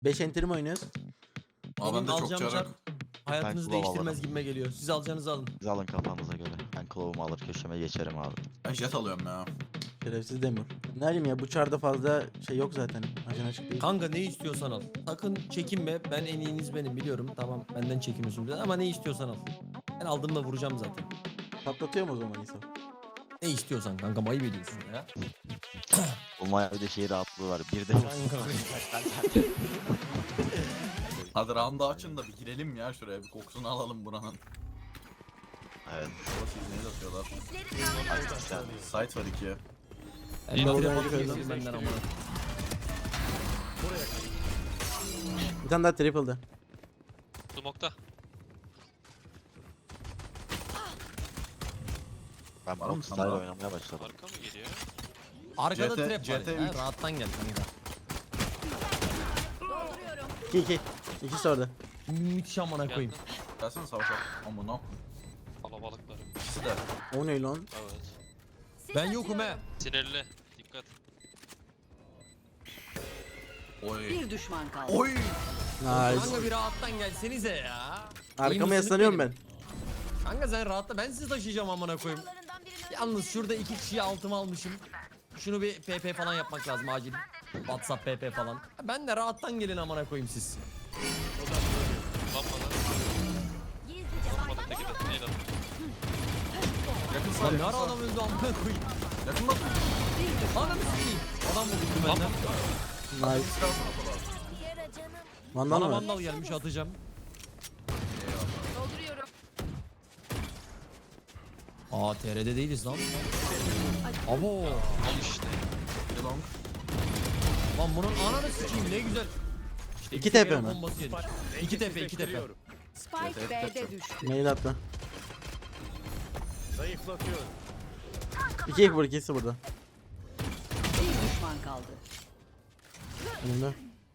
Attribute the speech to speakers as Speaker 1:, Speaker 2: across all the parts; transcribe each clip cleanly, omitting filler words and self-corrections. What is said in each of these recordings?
Speaker 1: 5 enter mi oynuyoruz?
Speaker 2: Aa ben de çok
Speaker 3: alacağım
Speaker 2: çarık.
Speaker 3: hayatınızı
Speaker 4: Ben kulağım
Speaker 3: değiştirmez
Speaker 4: alırım.
Speaker 3: gibime geliyor. Siz alacağınızı alın.
Speaker 4: Siz alın kafanıza göre. Ben kılavumu alır köşeme geçerim abi.
Speaker 2: Ben jet alıyorum ya.
Speaker 1: Şerefsiz Demir. Ne bileyim ya bu çarda fazla şey yok zaten. Ajan açık değil.
Speaker 3: Kanka ne istiyorsan al. Sakın çekinme. Ben en iyiniz benim biliyorum. Tamam benden çekiniyorsun biraz ama ne istiyorsan al. Ben aldığımda vuracağım zaten.
Speaker 1: Patlatıyor mu o zaman İsa?
Speaker 3: Ne istiyorsan kanka ayıp ediyorsun ya.
Speaker 4: Olmaya bir de şey rahatlığı var. Bir de
Speaker 3: Kanka.
Speaker 2: Hadi round'u açın da bir girelim ya şuraya, bir kokusunu alalım buranın.
Speaker 4: evet.
Speaker 2: Burası izneyi atıyorlar. Site var 2'ye.
Speaker 3: Ben
Speaker 1: Vallahi
Speaker 3: trap
Speaker 1: öyle
Speaker 3: atıyorum benden ama.
Speaker 1: Bir tane daha triple'dı.
Speaker 5: Smoke'ta.
Speaker 4: Ben
Speaker 2: Var mı
Speaker 4: Brock
Speaker 2: sende?
Speaker 4: Style oynamaya başladım.
Speaker 5: Arka mı geliyor?
Speaker 3: Arkada
Speaker 2: CT
Speaker 3: trap var.
Speaker 2: CT
Speaker 3: Ha,
Speaker 2: 3.
Speaker 3: rahattan gel kanka.
Speaker 1: 2-2. İkisi orada.
Speaker 3: Müthiş amına koyayım.
Speaker 5: Geldim.
Speaker 2: Gelsene savaşa. Amına.
Speaker 5: Kalabalıklar.
Speaker 2: İkisi de.
Speaker 1: O ne lan?
Speaker 5: Evet.
Speaker 3: Ben yokum he.
Speaker 5: Sinirli. Dikkat.
Speaker 2: Oy.
Speaker 6: Bir düşman kaldı.
Speaker 2: Oy.
Speaker 1: Nice.
Speaker 3: Kanka bir rahattan gelsenize ya.
Speaker 1: Arkama
Speaker 3: İyi
Speaker 1: yaslanıyorum
Speaker 3: mısınız
Speaker 1: ben.
Speaker 3: Kanka sen rahatla ben sizi taşıyacağım amına koyayım. Yalnız şurada 2 kişiyi altıma almışım. Şunu bir PP falan yapmak lazım acil. WhatsApp PP falan. Ben de rahattan gelin amına koyayım siz.
Speaker 5: Lan bana. Vurmadı teki de. Neydi?
Speaker 2: Yakın
Speaker 3: Lan
Speaker 2: sağ.
Speaker 3: ne
Speaker 2: Yakın
Speaker 3: ara
Speaker 2: sağ.
Speaker 3: adam öldü amına koyayım.
Speaker 2: Yakın bak.
Speaker 3: Ananı sikeyim. Adam vurdu
Speaker 5: Lan
Speaker 3: benden.
Speaker 1: Nice. Vandal
Speaker 3: Bana
Speaker 1: mı?
Speaker 3: vandal gelmiş atacağım.
Speaker 6: Dolduruyorum.
Speaker 3: Aa TR'de değiliz lan. Abo.
Speaker 5: Al işte.
Speaker 2: Bir long.
Speaker 3: Lan bunun ananı sikeyim ne güzel. İşte
Speaker 1: 2
Speaker 3: kere
Speaker 1: TP mi?
Speaker 3: bombası yedik. 2 TP 2 TP.
Speaker 6: Spike B'de düştü.
Speaker 1: Mail attı. 2 vur, ikisi burada.
Speaker 6: Bir düşman kaldı.
Speaker 1: Önümde.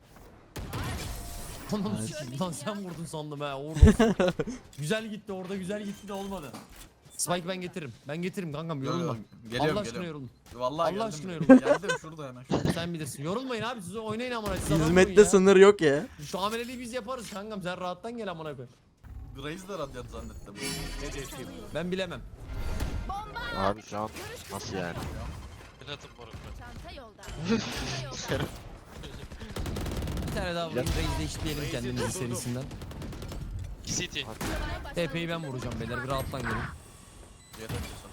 Speaker 3: Ananı sikeyim lan sen vurdun sandım ha. Orada. Güzel gitti orada güzel gitti de olmadı. Spike ben getiririm. Ben getiririm kankam yorulma.
Speaker 2: Geliyorum
Speaker 3: Allah aşkına
Speaker 2: geliyorum.
Speaker 3: yorulma.
Speaker 2: Vallahi
Speaker 3: Allah
Speaker 2: geldim.
Speaker 3: aşkına yorulma.
Speaker 2: Geldim şurada hemen.
Speaker 3: Sen bilirsin. Yorulmayın abi siz oynayın amına. Siz adam olun
Speaker 1: Hizmette
Speaker 3: ya.
Speaker 1: sınır yok ya.
Speaker 3: Şu ameleliği biz yaparız kankam sen rahattan gel amına koy.
Speaker 2: Grace de radyant zannettim.
Speaker 3: Ben bilemem.
Speaker 4: Abi şu an nasıl yani?
Speaker 5: Platin moruklar.
Speaker 6: Çanta yolda.
Speaker 3: Bir tane daha vurayım reis değiştirelim kendimizi serisinden.
Speaker 5: CT.
Speaker 3: TP'yi ben vuracağım beyler bir rahattan gelin.
Speaker 2: Jet atıyorsun.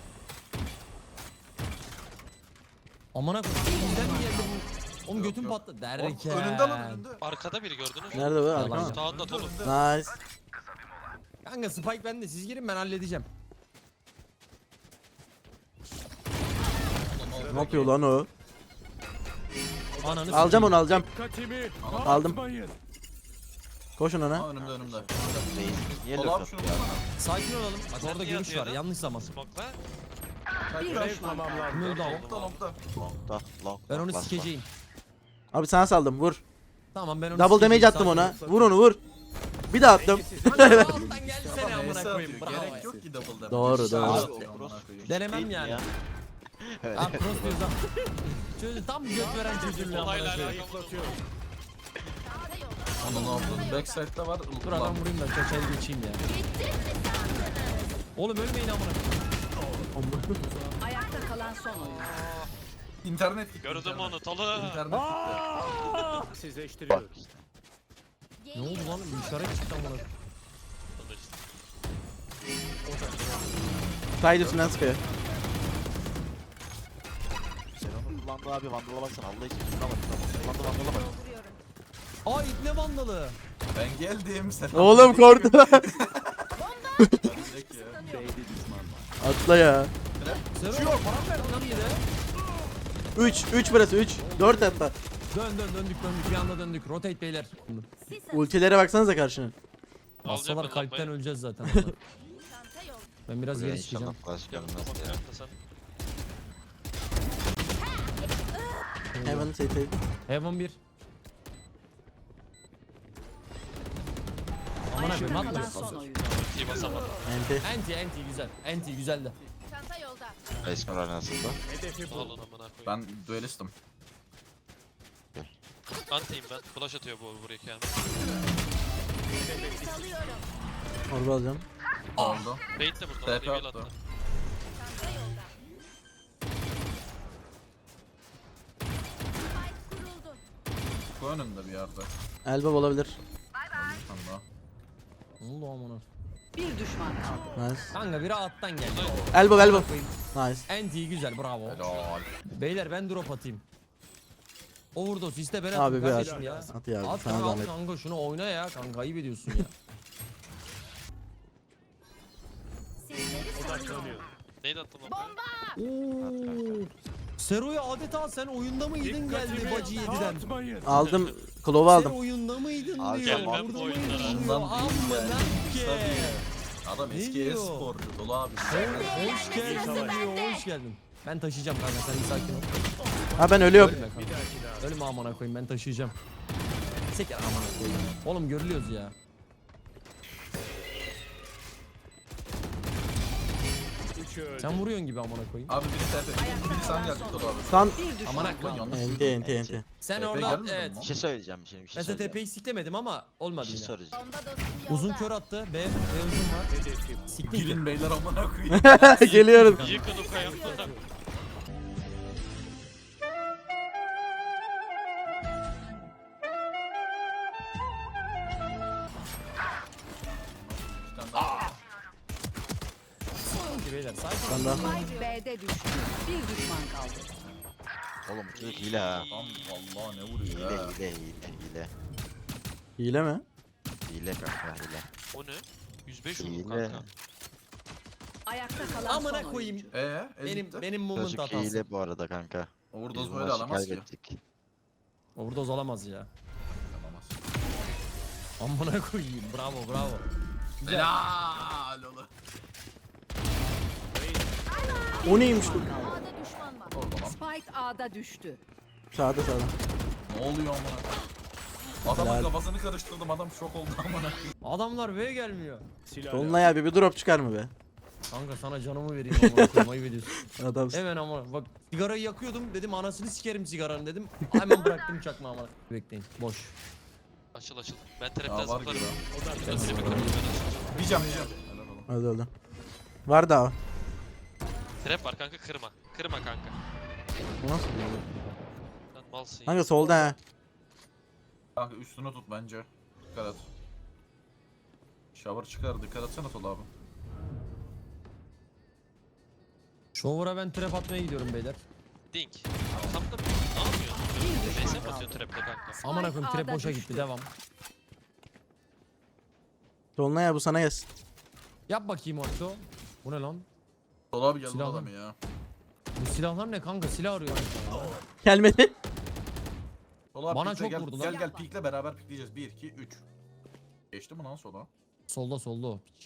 Speaker 3: Amına koyayım. Bizden mi geldi bu? Oğlum götüm
Speaker 2: yok.
Speaker 3: patladı derken.
Speaker 2: Önünde lan önünde.
Speaker 5: Arkada biri gördünüz mü?
Speaker 1: Nerede bu?
Speaker 3: Yalan.
Speaker 1: Arkama.
Speaker 5: Sağında dolu.
Speaker 1: Nice.
Speaker 3: Kanka Spike bende siz girin ben halledeceğim.
Speaker 1: Ne yapıyor lan o?
Speaker 3: Ananı
Speaker 1: Alacağım onu, alacağım.
Speaker 7: Dikkatimi
Speaker 1: Aldım.
Speaker 7: dağıtmayın.
Speaker 1: Koşun ona.
Speaker 2: Aa önümde önümde.
Speaker 4: Reis niye
Speaker 2: Al
Speaker 4: lök
Speaker 2: abi şunu
Speaker 4: atıyor?
Speaker 3: Sakin olalım. Bak
Speaker 5: Sen
Speaker 3: orada
Speaker 5: niye
Speaker 3: görüş var
Speaker 5: atıyordun?
Speaker 3: yanlış zaman.
Speaker 5: Smoke'la.
Speaker 6: Bir
Speaker 7: Görev
Speaker 6: düşman kaldı.
Speaker 7: tamamlandı.
Speaker 3: Kim öldü abi?
Speaker 2: Longda longda.
Speaker 4: Long'da long.
Speaker 3: Ben onu
Speaker 4: long, last
Speaker 3: sikeceğim.
Speaker 1: Abi sana saldım, vur.
Speaker 3: Tamam ben onu
Speaker 1: Double
Speaker 3: sikeceğim,
Speaker 1: damage attım
Speaker 3: sakin
Speaker 1: ona.
Speaker 3: ol.
Speaker 1: Vur onu, vur. Bir daha attım.
Speaker 3: Kanka alttan gelsene amına
Speaker 2: Neyse
Speaker 3: koyayım.
Speaker 2: atıyor.
Speaker 3: Bravo.
Speaker 2: Gerek yok ki double damage.
Speaker 1: Doğru,
Speaker 2: İşte
Speaker 1: doğru.
Speaker 2: abi
Speaker 4: Abi,
Speaker 2: atıyor amına
Speaker 4: cross-
Speaker 2: koyayım.
Speaker 3: Denemem
Speaker 4: Değil mi
Speaker 3: yani.
Speaker 4: ya? Evet.
Speaker 3: Ha cross diyoruz ha. Çocuğu tam göt veren çocuğum ya.
Speaker 5: Olayla
Speaker 3: amına koyayım.
Speaker 5: alakalı.
Speaker 2: Ananı avradım. Backside'de var.
Speaker 3: Dur adam vurayım da çeçeli geçeyim ya. Oğlum ölmeyin amına koyayım.
Speaker 6: Ayakta kalan son oyun.
Speaker 2: İnternet gitti.
Speaker 5: Gördüm
Speaker 2: internet.
Speaker 5: onu Tolu.
Speaker 2: İnternet gitti.
Speaker 7: Sizleştiriyorum.
Speaker 3: Ne oldu lan? Bir işaret çıktı amına koyayım.
Speaker 5: Tolu işte.
Speaker 1: Side üstünden sıkıyor.
Speaker 4: Sen onu kullandı abi vandala baksana Allah için şuna bak. Kullandı vandala bak.
Speaker 6: Dolduruyorum.
Speaker 3: Aa ipne vandalı.
Speaker 2: Ben geldim. Sen
Speaker 1: Oğlum korktu.
Speaker 2: Direkt ya.
Speaker 1: Atla ya.
Speaker 3: Sen oğlum param verdin lan bir de.
Speaker 1: 3 burası 3. 4 hatta.
Speaker 3: Döndük bir anda döndük. Rotate beyler.
Speaker 1: Ultilere baksanıza karşının.
Speaker 5: Alacağım
Speaker 3: Hastalar
Speaker 5: ben
Speaker 3: kalpten
Speaker 5: lambayı.
Speaker 3: öleceğiz zaten. Ben biraz
Speaker 4: Buraya
Speaker 3: geri
Speaker 4: inşallah
Speaker 3: çıkacağım.
Speaker 4: flash gelmez
Speaker 5: Smoke
Speaker 4: ya.
Speaker 5: yapma sen.
Speaker 1: Heaven CT.
Speaker 3: Heaven 1. Aman abi
Speaker 6: Ayakta
Speaker 3: mat
Speaker 6: kalan
Speaker 3: mı?
Speaker 6: son oyun.
Speaker 5: Ultiyi basamadım.
Speaker 1: Enti.
Speaker 3: Anti güzel. Anti güzel de.
Speaker 6: Çanta yolda.
Speaker 4: Resmen arenasında.
Speaker 7: Hedefi
Speaker 5: Alın amına koyayım.
Speaker 2: Ben duelistim.
Speaker 5: Antiyim ben. Flash atıyor bu buraya kendine.
Speaker 6: Salıyorum.
Speaker 1: Orba alacağım.
Speaker 2: Oldu.
Speaker 5: Bait de burada.
Speaker 2: TP
Speaker 5: Reveal
Speaker 2: attı.
Speaker 5: attı.
Speaker 6: Çanta yolda. Spike kuruldu.
Speaker 2: Bu önünde bir yerde.
Speaker 1: Elbow olabilir.
Speaker 2: Tam daha.
Speaker 3: Ne oldu amına?
Speaker 6: Bir düşman kaldı.
Speaker 1: Nice.
Speaker 3: Kanka biri alttan geldi.
Speaker 1: Elbow elbow. Nice.
Speaker 3: Anti güzel bravo.
Speaker 2: Helal.
Speaker 3: Beyler ben drop atayım. Overdose iste ben
Speaker 1: Abi
Speaker 3: atayım
Speaker 1: bir at.
Speaker 3: kardeşim ya.
Speaker 1: At ya.
Speaker 3: At
Speaker 1: Sana
Speaker 3: kanka, al
Speaker 1: zahmet.
Speaker 3: kanka şunu oyna ya kanka ayıp ediyorsun ya.
Speaker 6: Sizleri salıyorum.
Speaker 5: Neydi attın lan?
Speaker 6: Bomba.
Speaker 3: Oo. Sero'ya adeta sen oyunda mıydın geldi bacı 7'den.
Speaker 1: Aldım. Klovu
Speaker 3: Sen
Speaker 1: aldım.
Speaker 3: oyunda mıydın
Speaker 4: Abi
Speaker 3: diyor.
Speaker 4: ben
Speaker 3: Burada
Speaker 5: bu
Speaker 3: mıydın
Speaker 5: oyunlara-
Speaker 3: diyor.
Speaker 2: Ondan değil
Speaker 3: Amına
Speaker 2: yani.
Speaker 3: ke.
Speaker 2: Tabii. Adam
Speaker 3: Ne
Speaker 2: eski
Speaker 3: diyor?
Speaker 2: e-sporcu dolu abi.
Speaker 3: Hoş geldin diyor. Hoş geldin. Ben taşıyacağım kanka sen bir sakin ol.
Speaker 1: Ha ben ölüyorum.
Speaker 3: Ölme kanka. Ölme amına koyayım ben taşıyacağım. Seker amına koyayım. Oğlum görülüyoruz ya. Sen vuruyorsun gibi amına koyayım.
Speaker 2: Abi biri TP. Biri sen geldin dolu abi.
Speaker 1: San.
Speaker 6: Bir düşman
Speaker 3: Amına
Speaker 6: kaldı.
Speaker 3: koyayım.
Speaker 2: Yanlış
Speaker 1: Enti
Speaker 2: duydum.
Speaker 1: enti enti.
Speaker 3: Sen
Speaker 2: TP
Speaker 3: orada
Speaker 2: gelmedi mi
Speaker 3: evet.
Speaker 2: lan?
Speaker 4: Bir şey söyleyeceğim şimdi bir şey
Speaker 3: Ben size
Speaker 4: söyleyeceğim.
Speaker 3: TP'yi siklemedim ama
Speaker 4: Bir
Speaker 3: olmadı
Speaker 4: şey
Speaker 3: yine.
Speaker 4: soracağım.
Speaker 6: Bomba dostum yolda.
Speaker 3: Uzun kör attı. B uzun var. Siktir ki.
Speaker 2: Girin beyler amına koyayım.
Speaker 1: Geliyorum.
Speaker 5: Yıkın o kayamda.
Speaker 2: Bir tane daha.
Speaker 3: Sakin beyler sakin.
Speaker 1: Sen daha.
Speaker 6: Spike B'de düştü. Bir düşman kaldı.
Speaker 4: Oğlum bu çocuk hile ha.
Speaker 2: Adam vallahi ne vuruyor
Speaker 4: Hile
Speaker 2: ya.
Speaker 4: hile.
Speaker 1: Hile mi?
Speaker 4: Hile kanka hile.
Speaker 5: O ne? 105 vurdu
Speaker 4: Hile.
Speaker 5: kanka.
Speaker 6: Ayakta kalan
Speaker 3: Amına
Speaker 6: son
Speaker 3: koyayım.
Speaker 6: oyuncu.
Speaker 3: Benim moment
Speaker 4: Çocuk
Speaker 3: hatası.
Speaker 4: hile bu arada kanka. Biz
Speaker 2: Overdose
Speaker 4: bu
Speaker 2: böyle
Speaker 4: maçı
Speaker 2: alamaz ki.
Speaker 4: kaybettik.
Speaker 3: Overdose olamaz ya.
Speaker 2: Alamaz.
Speaker 3: Amına koyayım. Bravo bravo. Güzel.
Speaker 2: Helal oğlum.
Speaker 1: O neymiş bu?
Speaker 6: A'da düşman var.
Speaker 2: Orada lan.
Speaker 6: Spike A'da düştü.
Speaker 1: Sağda sağda.
Speaker 2: Ne oluyor amına? Adamın
Speaker 1: Helal.
Speaker 2: kafasını karıştırdım adam şok oldu amına.
Speaker 3: Adamlar V gelmiyor.
Speaker 1: Dolunay abi bir drop çıkar mı be?
Speaker 3: Kanka sana canımı vereyim amına koyayım ayıp ediyorsun.
Speaker 1: Adamsın.
Speaker 3: Hemen ama bak sigarayı yakıyordum dedim anasını sikerim sigaranın dedim. Hemen bıraktım çakma amına. Bekleyin boş.
Speaker 5: Açıl açıl. Ben
Speaker 2: Ya
Speaker 5: trapten
Speaker 2: var
Speaker 5: zıplarım.
Speaker 2: gibi.
Speaker 5: Şurada trap'i kırarım ben açılacağım.
Speaker 2: Diyeceğim. Helal oğlum.
Speaker 1: Öldü öldü. Var daha.
Speaker 5: Trap var kanka kırma. Kırma kanka.
Speaker 1: Bu nasıl oluyor?
Speaker 5: Lan malsın ya.
Speaker 1: Kanka solda ha.
Speaker 2: Kanka üstüne tut bence. Dikkat et. Shower çıkar dikkat etsene Tol abi.
Speaker 3: Shower'a ben trap atmaya gidiyorum beyler.
Speaker 5: Dink. Tam da ne yapıyorsun? Neyse mi atıyorsun trap'le kanka?
Speaker 3: Amına koyayım trap
Speaker 6: A'da
Speaker 3: boşa
Speaker 6: düştü.
Speaker 3: gitti devam.
Speaker 1: Dolunay abi bu sana gelsin.
Speaker 3: Yap bakayım Orto. Bu ne lan?
Speaker 2: Tol abi geldi
Speaker 3: Silahlı.
Speaker 2: adamı ya.
Speaker 3: Bu silahlar ne kanka silah arıyor.
Speaker 1: Gelmedi.
Speaker 2: Tol abi
Speaker 3: Bana
Speaker 2: pikle,
Speaker 3: çok
Speaker 2: gel,
Speaker 3: vurdu lan.
Speaker 2: Gel gel pikle beraber pikleyeceğiz. 1 2 3. Geçti mi lan sola?
Speaker 3: Solda o piç.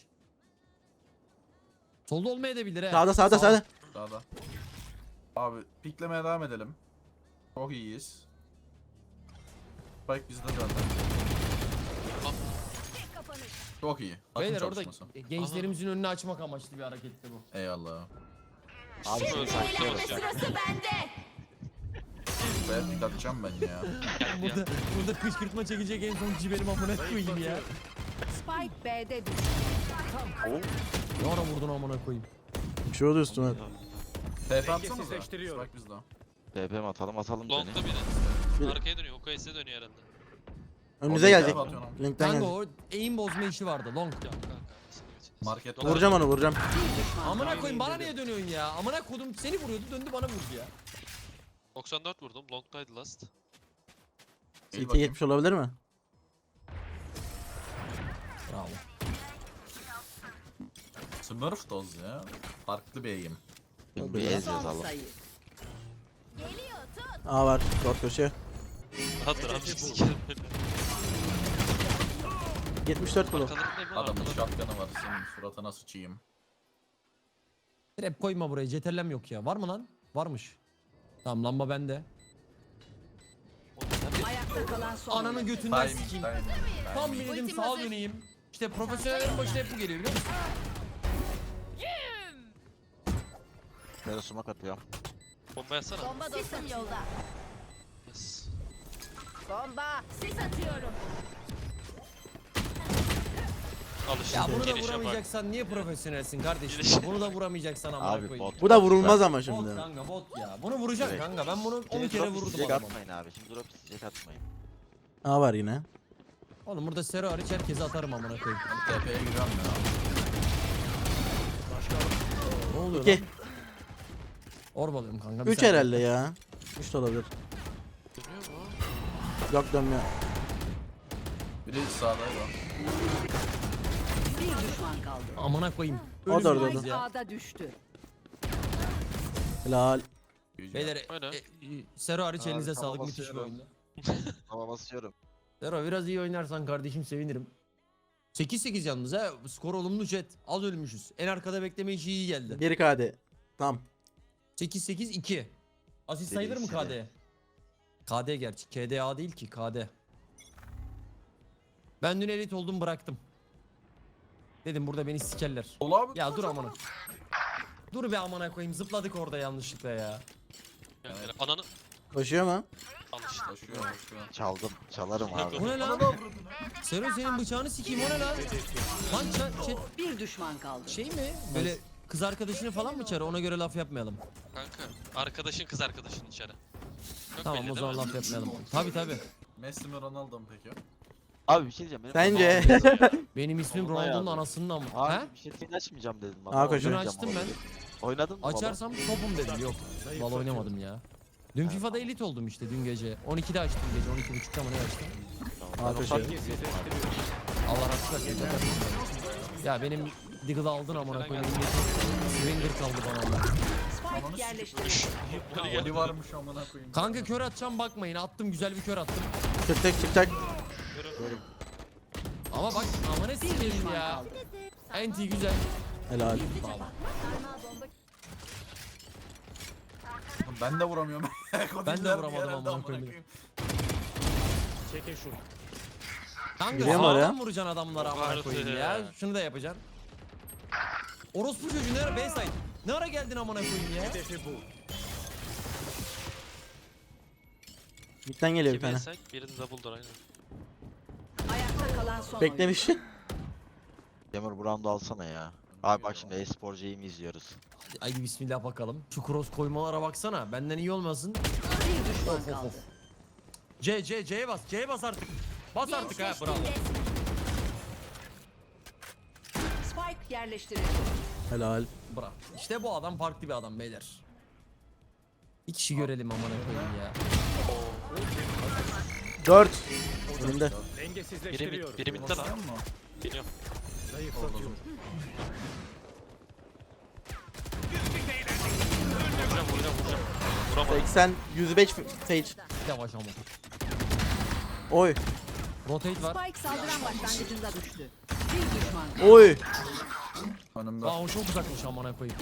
Speaker 3: Solda olmayabilir he.
Speaker 1: Sağda sağda sağda.
Speaker 2: Daha. Abi piklemeye devam edelim. Çok iyiyiz. Spike bizde zaten.
Speaker 6: Tek kapanış.
Speaker 2: Çok iyi. Takım
Speaker 3: Beyler orada
Speaker 2: çalışması.
Speaker 3: gençlerimizin önünü açmak amaçlı bir hareketti bu.
Speaker 2: Eyvallah.
Speaker 4: Abi
Speaker 5: Şöyle
Speaker 4: şimdi
Speaker 5: şöyle
Speaker 4: saklıyoruz.
Speaker 5: bakacak.
Speaker 6: Sırası bende.
Speaker 2: Ben pik atacağım ben ya.
Speaker 5: Gel ya.
Speaker 3: Burada kışkırtma çekecek en son kişi benim amına koyayım ya.
Speaker 6: Spike B'de düştü.
Speaker 3: Ne ara vurdun amına koyayım.
Speaker 1: Bir şey oldu üstüme.
Speaker 2: TP atsanıza. Spike bizde.
Speaker 4: TP mi atalım seni.
Speaker 5: Long'da biri.
Speaker 1: Bir-
Speaker 5: Arkaya dönüyor. OKS'e dönüyor herhalde.
Speaker 1: Önünüze
Speaker 2: Orada
Speaker 1: gelecek.
Speaker 2: TP atıyorum.
Speaker 1: Linkten
Speaker 3: Kanka
Speaker 1: gelecek.
Speaker 3: o aim bozma işi vardı long.
Speaker 5: Ya kanka.
Speaker 2: Market
Speaker 5: Long-
Speaker 1: Vuracağım onu vuracağım.
Speaker 6: Bir düşman
Speaker 3: Amına koyayım bana niye dönüyorsun ya? Amına kodum seni vuruyordu döndü bana vurdu ya.
Speaker 5: 94 vurdum. Long'daydı last.
Speaker 2: İyi
Speaker 1: CT
Speaker 2: bakayım.
Speaker 1: 70 olabilir mi?
Speaker 3: Bravo.
Speaker 2: Smurf doz ya. Farklı bir eğim.
Speaker 4: Şimdi bir ez
Speaker 6: son
Speaker 4: yazalım.
Speaker 6: sayı. Geliyor tut.
Speaker 1: A var. Dört köşe.
Speaker 5: Rahat rahat sikerim beni.
Speaker 1: 74 kilo.
Speaker 5: Arkalarındayım lan
Speaker 2: Adamın
Speaker 5: arkalarında.
Speaker 2: shotgun'ı var. Senin suratına sıçayım.
Speaker 3: Trap koyma buraya ceterlem yok ya. Var mı lan? Varmış. Tamam lamba bende.
Speaker 5: Oğlum sen bir-
Speaker 6: Ayakta kalan son
Speaker 3: Ananı
Speaker 6: oyuncu.
Speaker 3: götünden
Speaker 2: Timing,
Speaker 3: sikeyim.
Speaker 2: timing.
Speaker 3: Tam bir dedim
Speaker 6: Ultim
Speaker 3: sağa
Speaker 6: hazır.
Speaker 3: döneyim. İşte profesyonellerin başına hep bu geliyor biliyor musun?
Speaker 4: Böyle sumak atıyorum.
Speaker 5: Bomba yatsana.
Speaker 6: Bomba dostum yolda.
Speaker 5: Yes.
Speaker 6: Bomba. Sis atıyorum.
Speaker 5: Al işte.
Speaker 3: Ya bunu da
Speaker 5: Gelişe bak.
Speaker 3: vuramayacaksan niye profesyonelsin kardeşim?
Speaker 5: Gelişe.
Speaker 3: Bunu da vuramayacaksan amına
Speaker 4: Abi
Speaker 3: koyayım.
Speaker 4: bot.
Speaker 1: Bu da vurulmaz ama
Speaker 3: Bot
Speaker 1: şimdi.
Speaker 3: kanka bot ya. Bunu vuracak
Speaker 4: Evet.
Speaker 3: kanka. Ben bunu 10
Speaker 4: Şimdi
Speaker 3: kere
Speaker 4: drop
Speaker 3: vurdum
Speaker 4: isteyecek
Speaker 3: adama.
Speaker 4: atmayın abi. Şimdi drop isteyecek atmayın.
Speaker 1: A var yine.
Speaker 3: Oğlum burada Sero hariç herkese atarım amına koyayım.
Speaker 2: TP'ye giriyorum ya.
Speaker 3: Ne oluyor
Speaker 1: 2.
Speaker 3: lan? Orbalıyorum kanka. bir
Speaker 1: 3
Speaker 3: saniye.
Speaker 1: herhalde ya. 3 de olabilir. Yok dönmüyor.
Speaker 2: Biri sağdaydı.
Speaker 6: Bir düşman kaldı.
Speaker 3: Amına koyayım.
Speaker 1: O da orada,
Speaker 3: Ölümlüyüz
Speaker 1: orada.
Speaker 3: ya.
Speaker 6: A'da düştü.
Speaker 1: Helal.
Speaker 3: Beyler
Speaker 5: Öyle.
Speaker 3: Sero hariç
Speaker 4: Abi,
Speaker 3: elinize
Speaker 4: tamam,
Speaker 3: sağlık, müthiş bir
Speaker 4: basıyorum.
Speaker 3: oyundu.
Speaker 4: Ama basıyorum.
Speaker 3: Sero biraz iyi oynarsan kardeşim sevinirim. 8-8 yalnız ha. Skor olumlu jet. Az ölmüşüz. En arkada bekleme işi iyi geldi.
Speaker 1: 1 KD. Tam.
Speaker 3: 8-8-2. Asist sayılır mı
Speaker 4: Serisi de.
Speaker 3: KD? KD gerçi. KDA değil ki KD. Ben dün elit oldum bıraktım. Dedim burada beni sikerler.
Speaker 2: Ol abi.
Speaker 3: Ya dur amına. Dur be amına koyayım, zıpladık orada yanlışlıkla ya.
Speaker 5: Yani ananı
Speaker 1: Koşuyor mu?
Speaker 5: al işte.
Speaker 2: Koşuyor koşuyor.
Speaker 4: Çaldım. Çalarım abi.
Speaker 3: Bu ne lan? Sero senin bıçağını sikeyim, o ne lan? Lan
Speaker 6: Bir düşman kaldı.
Speaker 3: şey mi? Böyle kız arkadaşını falan mı çağır, ona göre laf yapmayalım.
Speaker 5: Kanka arkadaşın kız arkadaşın içeri. Çok
Speaker 3: Tamam
Speaker 5: belli
Speaker 3: o
Speaker 5: değil
Speaker 3: zaman
Speaker 5: mi?
Speaker 3: laf yapmayalım. Tabi.
Speaker 2: Messi mi Ronaldo mu peki?
Speaker 4: Abi bir şey diyeceğim. Benim
Speaker 1: Sence?
Speaker 4: kafam yazıyor.
Speaker 3: Benim ismim
Speaker 4: Vallahi
Speaker 3: Ronaldo'nun
Speaker 4: abi.
Speaker 3: anasının ama.
Speaker 4: Abi
Speaker 3: He?
Speaker 4: bir şey seni açmayacağım dedim.
Speaker 1: Aa,
Speaker 4: Baba,
Speaker 1: koşun.
Speaker 4: oynayacağım
Speaker 3: Açtım
Speaker 4: ama
Speaker 3: ben.
Speaker 4: dedim. Oynadın mı baba?
Speaker 3: Açarsam topum dedim, yok. Vallahi oynamadım ya. Dün FIFA'da elit oldum işte dün gece. 12'de açtım gece, 12.30'da mı ne açtım?
Speaker 4: Tamam,
Speaker 1: Aa,
Speaker 4: ben
Speaker 1: köşeye.
Speaker 4: ufak geziyordum abi.
Speaker 3: Allah razı olsun. Ya benim Diggle'ı aldın amına koyayım. Swinger kaldı bana Allah.
Speaker 6: Spike yerleştirildi.
Speaker 2: Oli varmış amına koyayım.
Speaker 3: Kanka kör atacağım bakmayın, attım, güzel bir kör attım.
Speaker 1: Çıkacak çıkacak.
Speaker 3: Ama bak amına sikeyim ya. Enti güzel.
Speaker 1: Helal.
Speaker 2: Ben de vuramıyorum.
Speaker 3: Ben de
Speaker 2: Kodiller
Speaker 3: vuramadım
Speaker 2: yerelde
Speaker 3: amına
Speaker 2: amına
Speaker 3: koyayım.
Speaker 2: koyayım.
Speaker 3: Kanka
Speaker 1: Giriyor mu oraya?
Speaker 3: sağdan vuracaksın adamlara amına
Speaker 5: Vardı.
Speaker 3: koyayım ya. Şunu da yapacaksın. Orospu çocuğu ne ara B-side? Ne ara geldin amına koyayım ya?
Speaker 1: Midden geliyor bir
Speaker 5: Kimi
Speaker 1: tane.
Speaker 5: yesek birini double door aynen.
Speaker 6: Ayakta kalan son
Speaker 1: Beklemiş.
Speaker 4: Demir bu round'u alsana ya. Abi bak şimdi e-sporcu mi izliyoruz.
Speaker 3: Haydi bismillah bakalım. Şu cross koymalara baksana. Benden iyi olmasın.
Speaker 6: oyuncu. Bir düşman kaldı.
Speaker 3: C'ye bas. C'ye bas artık. Bas artık ha. Bravo.
Speaker 6: Spike yerleştirildi.
Speaker 1: Helal.
Speaker 3: Bravo. İşte bu adam farklı bir adam beyler. Bir kişi görelim amına koyayım ya.
Speaker 1: 4. Önümde.
Speaker 5: Biri midde lan.
Speaker 2: Basıyor mu?
Speaker 5: Geliyorum. Vuracağım. Vuramadım.
Speaker 1: 80 105 Sage.
Speaker 3: Yavaş ama.
Speaker 1: Oy.
Speaker 3: Rotate var.
Speaker 6: Spike saldıran başlangıcında düştü. Bir düşman kaldı.
Speaker 1: Oy.
Speaker 2: Önümde.
Speaker 3: Aa o çok uzakmış amına koyayım.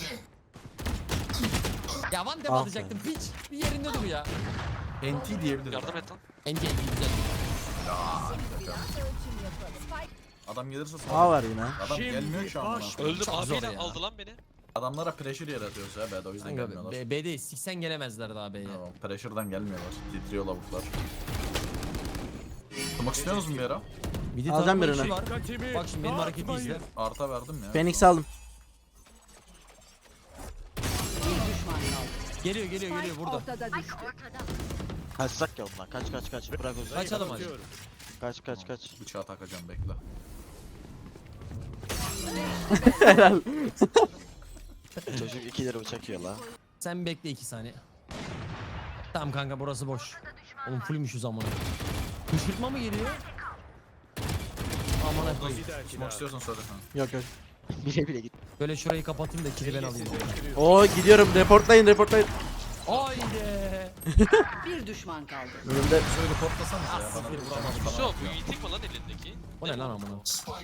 Speaker 3: Ya one tap
Speaker 1: Ah be.
Speaker 3: atacaktım piç. Bir yerinde dur ya.
Speaker 2: NT diyebilirim.
Speaker 5: Yardım et lan.
Speaker 3: NG güzel.
Speaker 2: Adam gelirse
Speaker 1: A
Speaker 2: sonra.
Speaker 1: var yine.
Speaker 2: Adam gelmiyor şu an. bana.
Speaker 5: Öldüm
Speaker 3: Çok zor
Speaker 5: abiyle
Speaker 3: ya.
Speaker 5: aldı lan beni.
Speaker 2: Adamlara pressure yaratıyoruz ya B'de o yüzden
Speaker 3: Kanka
Speaker 2: gelmiyorlar.
Speaker 3: B'deyiz. Siksen gelemezler daha B'ye.
Speaker 2: Tamam, pressure'dan gelmiyorlar. Titriyor lavuklar. Tutmak istiyorsunuz mu bir ara?
Speaker 3: Bir de
Speaker 1: Alacağım
Speaker 3: tarafma
Speaker 1: birini.
Speaker 3: işi var. Bak şimdi benim hareketi izle.
Speaker 2: Arta verdim ya.
Speaker 1: Phoenix aldım.
Speaker 6: Bir düşman kaldı.
Speaker 3: Geliyor
Speaker 6: Spike
Speaker 3: burada.
Speaker 6: ortada düştü.
Speaker 4: Kaçsak ya ondan. Kaç. Bırak o zaman.
Speaker 3: Kaçalım hadi.
Speaker 4: Kaç.
Speaker 2: Bıçağı takacağım bekle.
Speaker 4: Çocuk 2 lira bıçak yiyor la.
Speaker 3: Sen bekle 2 saniye. Tamam kanka burası boş. Oğlum fullmüşüz amına. Kışkırtma mı geliyor? Amına koyayım.
Speaker 2: Tutmak istiyorsan söyle sen.
Speaker 1: Yok yok.
Speaker 4: Bile git.
Speaker 3: Böyle şurayı kapatayım da kili ben alayım.
Speaker 1: Oo gidiyorum. Reportlayın.
Speaker 3: Haydi.
Speaker 6: Bir düşman kaldı.
Speaker 1: Önümde.
Speaker 2: Şöyle korklasanız ya bana.
Speaker 3: siktir, vuramadım.
Speaker 5: Şu bu yiğitlik mi lan elindeki?
Speaker 3: O ne lan amına?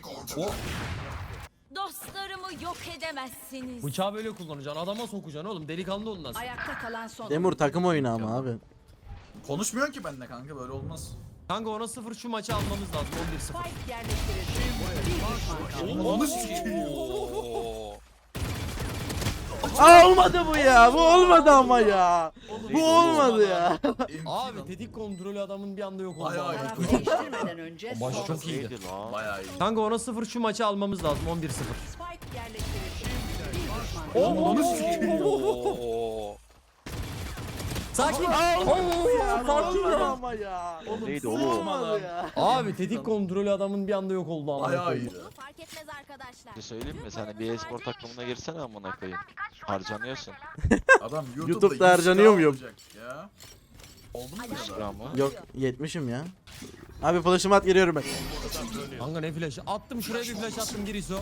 Speaker 6: Dostlarımı yok edemezsiniz.
Speaker 3: Bıçağı böyle kullanacaksın. Adama sokacaksın oğlum. Delikanlı olun nasıl?
Speaker 6: Ayakta kalan son
Speaker 1: Demur takım oyunu ama abi.
Speaker 2: Konuşmuyorsun ki benimle kanka böyle olmaz.
Speaker 3: Kanka ona 0 şu maçı almamız lazım. 11-0.
Speaker 6: Spike yerleştirildi. Bir düşman kaldı.
Speaker 2: Onu sikeyim.
Speaker 5: Oo.
Speaker 1: Aa olmadı bu ya. Bu olmadı ama ya. Bu olmadı ya.
Speaker 3: Abi tetik kontrolü adamın bir anda yok oldu.
Speaker 2: Bayağı
Speaker 3: abi.
Speaker 6: Taraf değiştirmeden önce
Speaker 3: Baş
Speaker 6: son.
Speaker 3: çok iyiydi.
Speaker 4: Neydi lan?
Speaker 2: Bayağı iyi.
Speaker 3: Kanka ona 0 şu maçı almamız lazım 11-0.
Speaker 6: Spike yerleştirildi. Bir düşman kaldı.
Speaker 5: Oo.
Speaker 3: Sakin.
Speaker 1: Olmadı ama ya.
Speaker 4: Neydi oğlum?
Speaker 1: Olmadı ya.
Speaker 3: Abi tetik kontrolü adamın bir anda yok oldu amına
Speaker 2: Bayağı
Speaker 3: koyayım.
Speaker 2: iyi.
Speaker 6: Fark etmez arkadaşlar.
Speaker 4: Bir şey söyleyeyim mi? Sen bir e-spor takımına girsene amına koyayım. Harcanıyorsun.
Speaker 2: Adam
Speaker 1: YouTube'da harcanıyor muyum?
Speaker 2: olacak Ya. Oldu mu ya da?
Speaker 4: Şura mı?
Speaker 1: Yok 70'im ya. Abi flash'ımı at geliyorum ben.
Speaker 3: Kanka ne flash? Attım şuraya bir flash attım Giriso.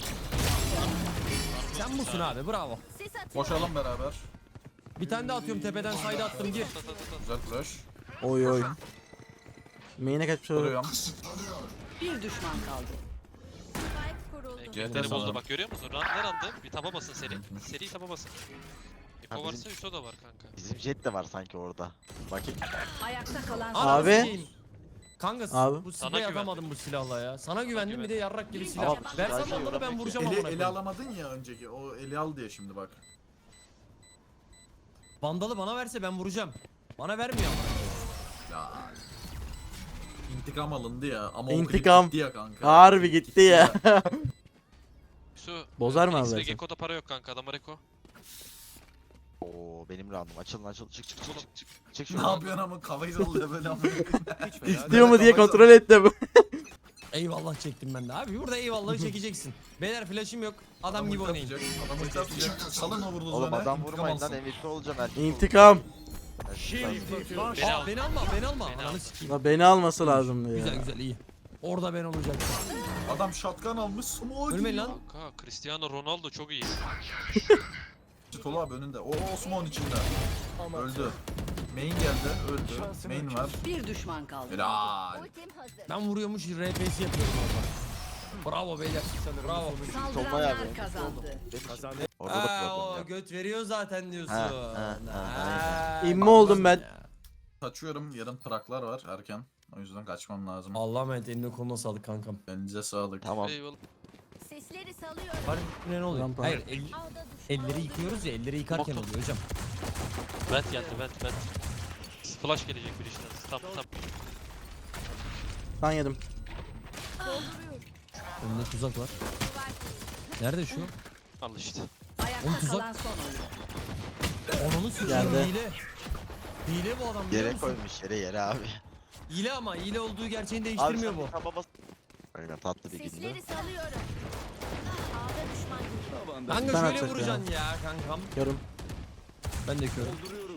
Speaker 3: Sen busun abi bravo.
Speaker 6: Sis atıyor.
Speaker 2: Koşalım beraber.
Speaker 3: Bir tane de atıyorum tepeden side attım gir.
Speaker 2: Güzel flash.
Speaker 1: Oy oy. Main'e kaçmış olur.
Speaker 2: Duruyorum.
Speaker 6: Bir düşman kaldı. Spike kuruldu.
Speaker 2: CT
Speaker 5: Beni bozdu
Speaker 2: sanırım.
Speaker 5: bak görüyor musun? Ne randı? Bir taba basın seri. Seri taba basın.
Speaker 4: Ha,
Speaker 5: Eko varsa
Speaker 4: bizim-
Speaker 5: Yusuf da var kanka.
Speaker 4: Bizim jet de var sanki orada. Bakayım.
Speaker 6: Ayakta kalan
Speaker 3: Ananı
Speaker 1: Abi.
Speaker 3: sikeyim. Kanka
Speaker 1: Abi.
Speaker 3: bu
Speaker 5: Sana
Speaker 3: sprey
Speaker 5: güvendim.
Speaker 3: atamadım bu silahla ya. Sana güvendim bir de yarrak gibi silah.
Speaker 4: Ama bu
Speaker 3: Versem
Speaker 4: silahı
Speaker 3: onları ben
Speaker 4: öğrenmek
Speaker 3: vuracağım
Speaker 2: Eli,
Speaker 3: amına
Speaker 2: eli
Speaker 3: koyayım.
Speaker 2: alamadın ya önceki. O eli al diye şimdi bak.
Speaker 3: Vandalı bana verse ben vuracağım. Bana vermiyor ama.
Speaker 2: Ya. İntikam alındı ya. Ama o klip
Speaker 1: İntikam.
Speaker 2: gitti ya kanka.
Speaker 1: Harbi gitti ya.
Speaker 5: Yusuf.
Speaker 1: Bozar mı abi
Speaker 5: X-Ray
Speaker 1: versen?
Speaker 5: Gekko'da para yok kanka adama Reko.
Speaker 4: Oo benim roundum. Açılın açıl. Çık çık çık çık. Çık
Speaker 2: Ne
Speaker 4: şuradan.
Speaker 2: yapıyorsun ama kafayı sallıyor böyle ama.
Speaker 1: İstiyor mu diye kontrol ettim.
Speaker 3: Eyvallah çektim ben de abi. Burada eyvallahı çekeceksin. Beyler flash'im yok. Adam gibi oynayın.
Speaker 2: Adam ulti atacak. Salın o vurduğunuz
Speaker 4: Oğlum
Speaker 2: öne.
Speaker 4: adam
Speaker 2: intikam
Speaker 4: vurmayın lan
Speaker 2: alsın.
Speaker 4: MVP olacaksın erkek
Speaker 1: İntikam.
Speaker 4: olacaksın.
Speaker 3: Aa, beni alma beni alma.
Speaker 5: Beni
Speaker 3: Ananı
Speaker 5: al.
Speaker 3: sikeyim.
Speaker 1: La beni alması lazımdı
Speaker 3: Güzel
Speaker 1: ya.
Speaker 3: güzel iyi. Orada ben olacaktım.
Speaker 2: Adam shotgun almış. Smoke.
Speaker 3: Ölmeyin lan.
Speaker 5: Kanka Cristiano Ronaldo çok iyi.
Speaker 2: Tolu abi önünde. O Osman içinde. Öldü. Main geldi. Öldü. Main var.
Speaker 6: bir düşman kaldı.
Speaker 2: Helal.
Speaker 6: Ultim hazır.
Speaker 3: Ben vuruyormuş RPS yapıyorum orada. Bravo beyler. Bravo.
Speaker 6: Saldıranlar kazandı.
Speaker 4: Orada da problem
Speaker 3: o
Speaker 4: yok.
Speaker 3: göt veriyor zaten diyorsun.
Speaker 4: Ha,
Speaker 1: İmmi oldum ben.
Speaker 2: Kaçıyorum. Yarın traklar var erken. O yüzden kaçmam lazım.
Speaker 3: Allah'a emanet eline koluna sağlık kankam.
Speaker 2: Elinize sağlık.
Speaker 4: Tamam.
Speaker 5: Eyvallah.
Speaker 6: Sesleri salıyorum.
Speaker 3: Var ne oluyor?
Speaker 1: Rampa.
Speaker 3: Hayır
Speaker 6: Ağda düşman
Speaker 3: elleri yıkıyoruz ya elleri yıkarken oluyor hocam.
Speaker 5: Vent geldi vent. Flash gelecek bir işten. Tam.
Speaker 1: Ben yedim.
Speaker 3: Önünde tuzak var. Nerede şu?
Speaker 5: Al işte.
Speaker 6: Ayakta
Speaker 3: Oğlum tuzak-
Speaker 6: kalan son oyun.
Speaker 3: Onunu sikeyim
Speaker 1: Geldi.
Speaker 3: hile. Hile bu adam biliyor
Speaker 4: Yere
Speaker 3: musun?
Speaker 4: koymuş yere abi.
Speaker 3: Hile ama hile olduğu gerçeğini değiştirmiyor bu.
Speaker 4: Aynen tatlı bir gündü.
Speaker 6: Sesleri salıyorum. Ağda düşman.
Speaker 3: Kanka
Speaker 1: Ben
Speaker 3: şöyle
Speaker 1: atacak
Speaker 3: vuracaksın ya kankam.
Speaker 1: Görüm.
Speaker 3: Ben de körüm.